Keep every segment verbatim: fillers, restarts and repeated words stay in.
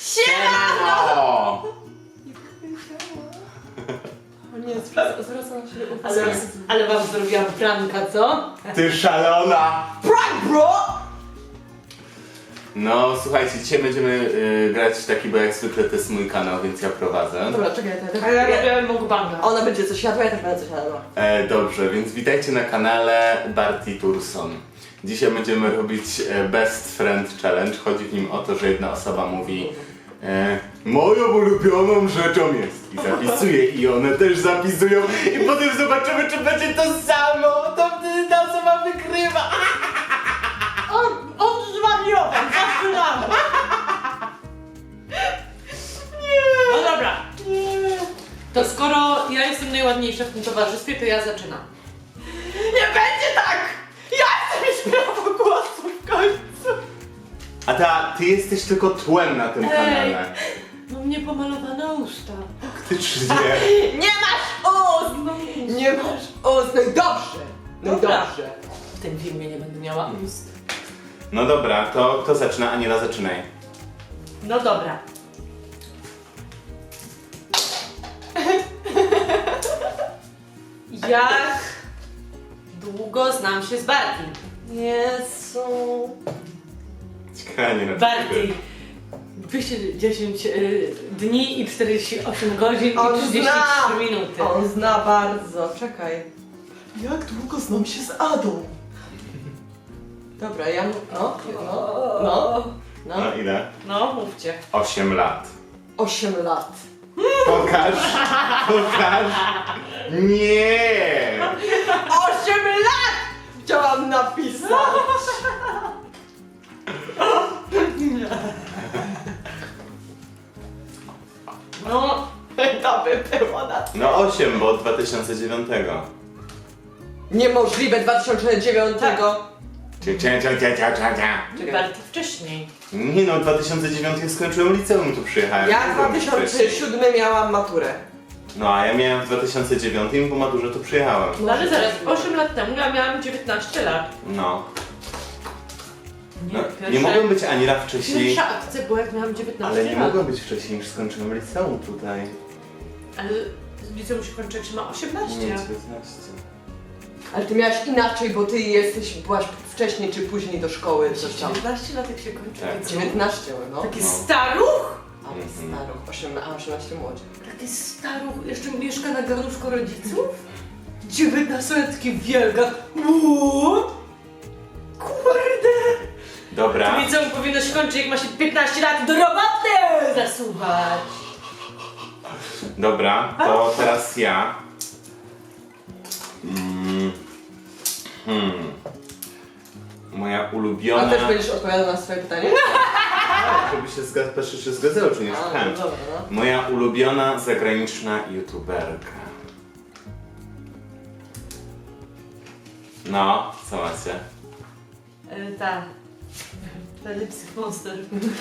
Siemano! O nie, zwracam się Ale, ale wam zrobiłam pranka, co? Ty szalona! Prank, bro! No słuchajcie, dzisiaj będziemy y, grać w taki, bo jak zwykle to jest mój kanał, więc ja prowadzę. Dobra, czekaj, to A ja robiłem mukbanga. Ona będzie coś jadła, ja też będę coś jadła. E, dobrze, więc witajcie na kanale Barty Turson. Dzisiaj będziemy robić e, Best Friend Challenge. Chodzi w nim o to, że jedna osoba mówi e, moją ulubioną rzeczą jest i zapisuje i one też zapisują i potem zobaczymy, czy będzie to samo. To wtedy ta osoba wygrywa. On, on zwariował, zaczynamy. Nie. No dobra. Nie. To skoro ja jestem najładniejsza w tym towarzystwie, to ja zaczynam. Nie będzie tak! Ja chcę mieć prawo głosu w końcu! A ta, ty jesteś tylko tłem na tym Ej. kanale. Mam niepomalowane usta. Faktycznie. Nie masz ust! Nie masz ust! No i dobrze! No i Dobra. dobrze! W tym filmie nie będę miała ust. No dobra, to kto zaczyna? Aniela, zaczynaj. No dobra. Jak długo znam się z Bartim? Jezu... Ciekawe, nie Barty. dwieście dziesięć y, dni i czterdzieści osiem godzin On i trzydzieści zna! trzy minuty. On zna bardzo, czekaj. Jak długo znam się z Adą? Dobra, ja... No, no, no, no. No ile? No, mówcie. osiem lat. osiem lat. Pokaż! Pokaż! Nie! osiem lat! Chciałam napisać! No, To by było na... No osiem, bo od dwa tysiące dziewiątego. Niemożliwe, dwa tysiące dziewiątego. Cia, cia, cia, cia, cia, cia, cia. Czekaj. Barty wcześniej. Nie no, w dwa tysiące dziewiątym jak skończyłem liceum, tu przyjechałem. Ja w Nie dwa byłem tysiące wcześniej. siódmym miałam maturę. No a ja miałem w dwa tysiące dziewiątym i po maturze tu przyjechałem. No ale zaraz, osiem lat temu ja miałam dziewiętnaście lat. No. Nie, no pierwsze, nie mogłem być Aniela wcześniej. Pierwsza akcja była jak miałam dziewiętnaście Ale nie lat. mogłem być wcześniej niż skończyłem liceum tutaj. Ale z liceum się kończy jak się ma Nie, osiemnaście. dziewiętnaście. Ale ty miałaś inaczej, bo ty jesteś, byłaś wcześniej czy później do szkoły, coś tam. dziewiętnaście lat jak się kończy Tak. liceum. dziewiętnaście, no. Taki No. staruch? A Mhm. staruch, osiem, a osiemnaście młodzie. Taki staruch jeszcze mieszka na garnuszku rodziców? dziewiętnastolatki w wielkach. Uuu, kurde! Dobra. To liceum powinno się kończyć jak ma się piętnaście lat do roboty zasuwać. Dobra, to teraz ja. Mm. Hmm. Moja ulubiona. A też będziesz odpowiadał na swoje pytanie? Tak, żeby się zgadzało, patrzę, czy zgadzało, czy nie A, no słuchałem. dobra, no. Moja ulubiona zagraniczna youtuberka. No, co macie? E, ta. Ta Lipstick Monster.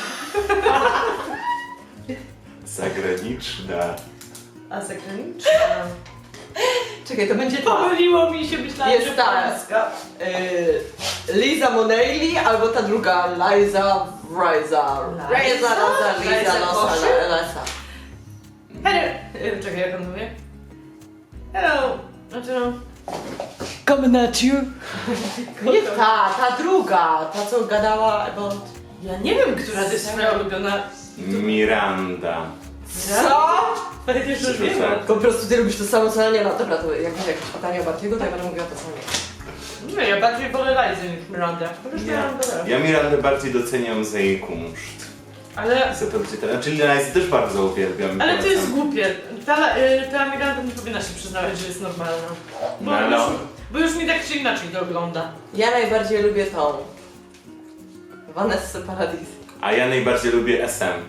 Zagraniczna. A zagraniczna? Czekaj, to będzie ta. Pomyliło mi się, myślałam, Jest że ta. polska. Y, Liza Monelli albo ta druga Liza Riza. Liza? Riza, Rosa, Liza, Liza Losa, Koszyk? Lesa. Hello! E, Czekaj, jak on mówi? Hello! Znaczy no... Coming at you! Nie ta, ta druga, ta co gadała about... Ja nie wiem, która to jest moja ulubiona... Miranda. Co? Ale też już wiem. Tak. Po prostu ty lubisz to samo co Aniela. Dobra, to jak będzie jakieś pytanie o Bartiego, to ja będę mówiła to samo. Nie, ja bardziej wolę Lizy niż Mirandę. Chociaż Ja, Miranda też. ja Mirandę bardziej doceniam za jej kunszt. Ale... Za to, gdzie teraz. Czyli Lizy też bardzo uwielbiam. Ale to polecam. jest głupie. Ta, y, ta Miranda nie powinna się przyznawać, że jest normalna. Bo, No, już, no. bo już mi tak czy inaczej to ogląda. Ja najbardziej lubię tą. Vanessa Paradis. A ja najbardziej lubię S M.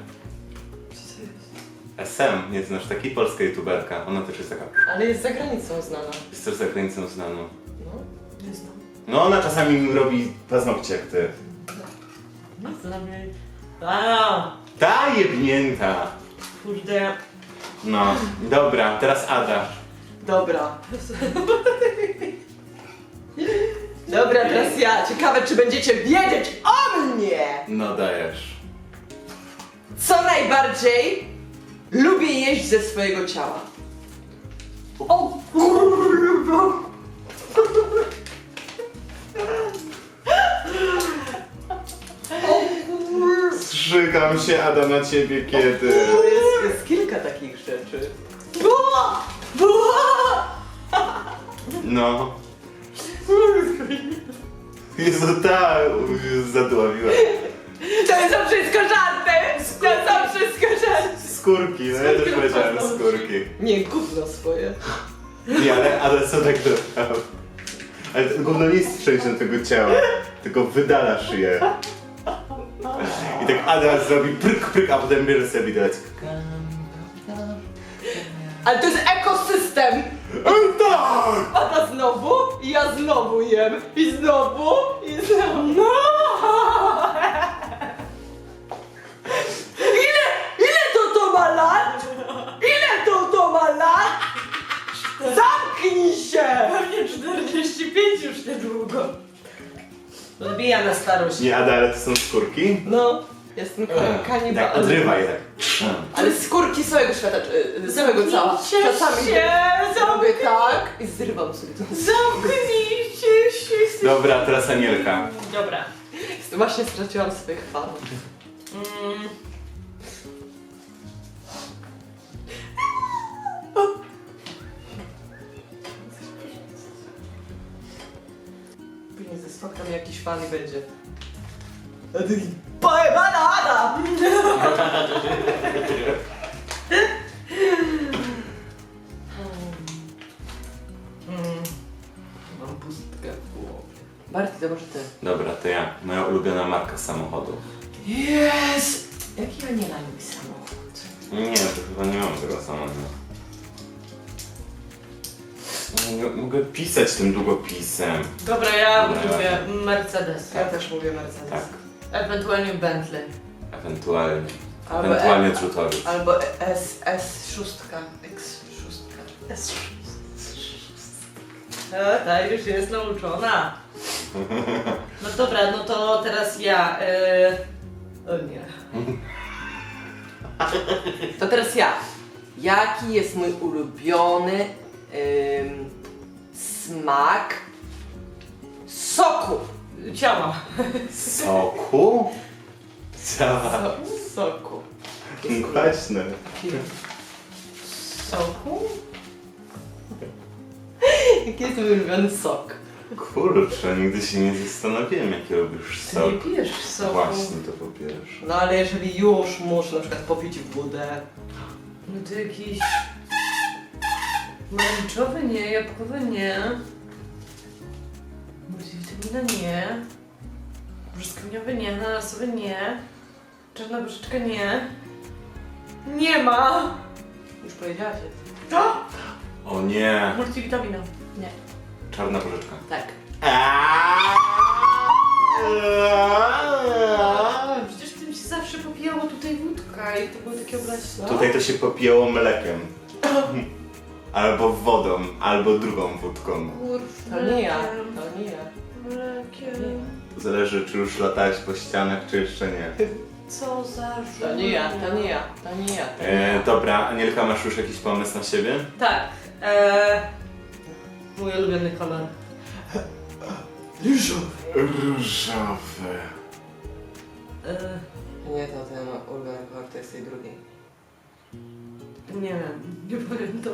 S M, nie znasz takiej polska youtuberka. Ona też jest taka. Ale jest za granicą znana. Jest też za granicą znaną. No. Nie znam. No ona czasami mi robi paznokcie jak ty. Nie znam jej. A, Ta jebnięta. kurde. No, dobra, teraz Ada. Dobra. Dobra, teraz ja. Ciekawe, czy będziecie wiedzieć o mnie! No dajesz. Co najbardziej lubię jeść ze swojego ciała? O kurwa! Zżygam się, Ada, na ciebie kiedy? Jest, jest kilka takich rzeczy. Buła! Buła! No. Jezu, tak, zadławiła. To są wszystko żarty! To są wszystko żarty! Skórki, no ja też powiedziałem skórki. Nie, gówno swoje. Nie, ale Ada co tak naprawdę? Ale to gówno nie jest częścią tego ciała, tylko wydalasz je. I tak Ada zrobi pryk, pryk, a potem bierze sobie widelec. Ale to jest ekosystem! Tak! Pada znowu, i ja znowu jem, i znowu, i znowu. No! Ile, ile to to ma lat? Ile to to ma lat? Zamknij się! Pewnie czterdzieści pięć już niedługo. Odbija na starość. Nie, Ada, ale to są skórki? No, jestem Tak, kanibalem. odrywaj tak. Ale skórki całego świata, czy- całego ciała. Zamknijcie Czasami się, robię tak i zrywam sobie to. Zamknijcie się. Dobra, teraz Anielka. Dobra. Właśnie straciłam swoich fanów. Mm. Później ze spotkam jakiś fan i będzie. A ty pojebana Ada! Mm. Mam pustkę w głowie. Barty, to może ty. Dobra, to ja. Moja ulubiona marka samochodu. Jest! Jaki ja nie lubi samochód? Nie, to chyba nie mam tego samochodu. Mogę, mogę pisać tym długopisem. Dobra, ja Dobra. lubię Mercedes. Ja też mówię Mercedes. Tak, Ewentualnie Bentley. ewentualnie. Albo Ewentualnie E- Drutowiec. Albo S, S sześć, X sześć. S E, ta już jest nauczona. No dobra, no to teraz ja. E... O nie. To teraz ja. Jaki jest mój ulubiony ym, smak soku? Ciała. Soku? Cała. So, soku. Kwaśne. Soku? Jaki jest mój ulubiony sok? Kurczę, nigdy się nie zastanowiłem, jaki lubisz Ty sok. nie pijesz soku. Właśnie to po pierwsze. No ale jeżeli już muszę na przykład popić wodę. No to jakiś... Pomarańczowy nie, jabłkowy nie. Multivitamina nie. Brzoskwiniowy nie, ananasowy nie. Czarna gruszeczka nie. Nie ma! Już powiedziałaś. To? O nie. Multivitamina. Nie. Czarna porzeczka. Tak. Przecież tym się zawsze popijało tutaj wódka i to były takie oblaśne. Tutaj to się popijało mlekiem. Albo wodą, albo drugą wódką. To nie ja. To nie ja. Mlekiem. To zależy, czy już latałeś po ścianach, czy jeszcze nie. Co za żółw. To nie ja. To nie ja. To nie ja. To nie E, ja. dobra, Anielka, masz już jakiś pomysł na siebie? Tak. E, mój ulubiony kolor. Ryżowy. Różowy. E, Nie, to ten ulubiony kolor to jest tej drugiej. nie wiem, nie pamiętam.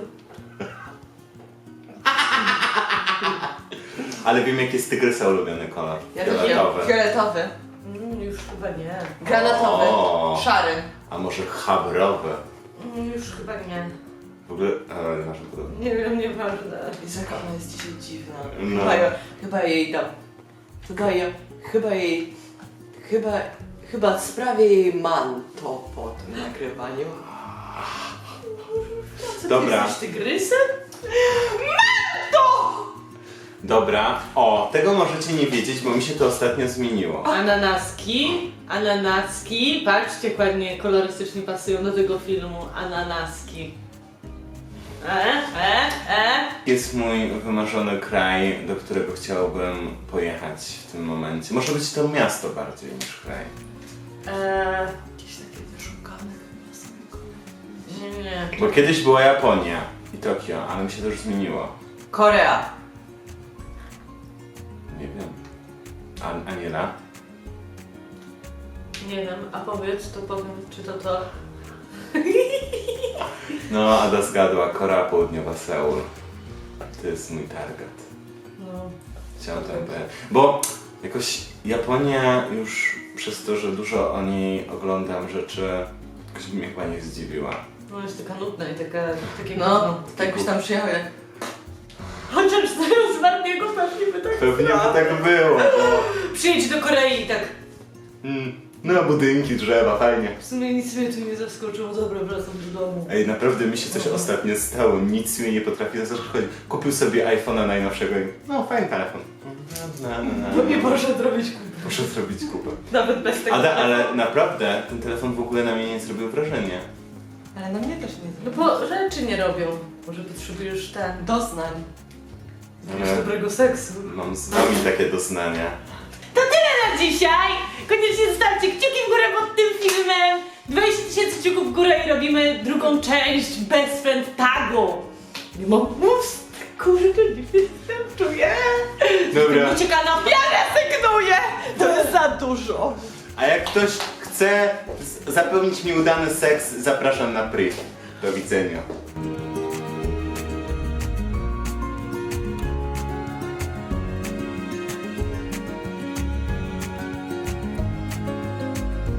Ale wiem, jaki jest tygrysa ulubiony kolor. Ja też Fioletowy. wiem. Fioletowy. Mm, już chyba nie. Granatowy. O. Szary. A może chabrowy? Mm, już chyba nie. W ogóle, ale nie masz podobnie. Nie wiem, nieważne. Jezu, jaka ona jest dzisiaj dziwna. No. Chyba, ja, chyba jej dam. Chyba ja, chyba jej, chyba, chyba sprawię jej manto po tym nagrywaniu. Co, Dobra. Ty jesteś tygrysem? Dobra, o, tego możecie nie wiedzieć, bo mi się to ostatnio zmieniło. Ananaski, ananaski. Patrzcie, jak ładnie kolorystycznie pasują do tego filmu. Ananaski. E, e, e. Jest mój wymarzony kraj, do którego chciałbym pojechać w tym momencie. Może być to miasto bardziej niż kraj. e Jakieś takie wyszukane Nie. Bo kiedyś była Japonia i Tokio, ale mi się to już zmieniło. Korea. Nie wiem. A, Aniela? Nie wiem, a powiedz, to powiem, czy to to. No, Ada zgadła. Korea Południowa, Seul. To jest mój target. No. Chciałem tam powiedzieć. Bo jakoś Japonia już przez to, że dużo o niej oglądam rzeczy, jakoś mnie chyba nie zdziwiła. No jest taka nudna i taka, takie No, tak byś tam przyjechał jak... Chociaż z Bartiego pewnie by tak Pewnie by tak było, bo... Przyjedź do Korei i tak. Mm, no, budynki, drzewa, fajnie. W sumie nic mnie tu nie zaskoczyło, dobra, wracam do domu. Ej, naprawdę mi się coś ostatnio stało, nic mnie nie potrafi zaskoczyć. Kupił sobie iPhone'a najnowszego i no, fajny telefon. No, no, no, Bo no. nie poszedł robić kupy. Muszę zrobić kupę. Nawet bez tego. Ale, ale naprawdę, ten telefon w ogóle na mnie nie zrobił wrażenia. Ale na mnie też nie No zrobił. bo rzeczy nie robią. Może potrzebujesz ten. Doznań. Jakiegoś Ale dobrego seksu. mam z wami takie doznania. Na dzisiaj! Koniecznie zostawcie kciuki w górę pod tym filmem! dwadzieścia tysięcy kciuków w górę i robimy drugą część Best Friend Tagu! Nie mam mów, kurde, nie wystarczuję! Dobra. Ucieka na Ja rezygnuję! To jest za dużo. A jak ktoś chce z- zapewnić mi udany seks, zapraszam na priv. Do widzenia.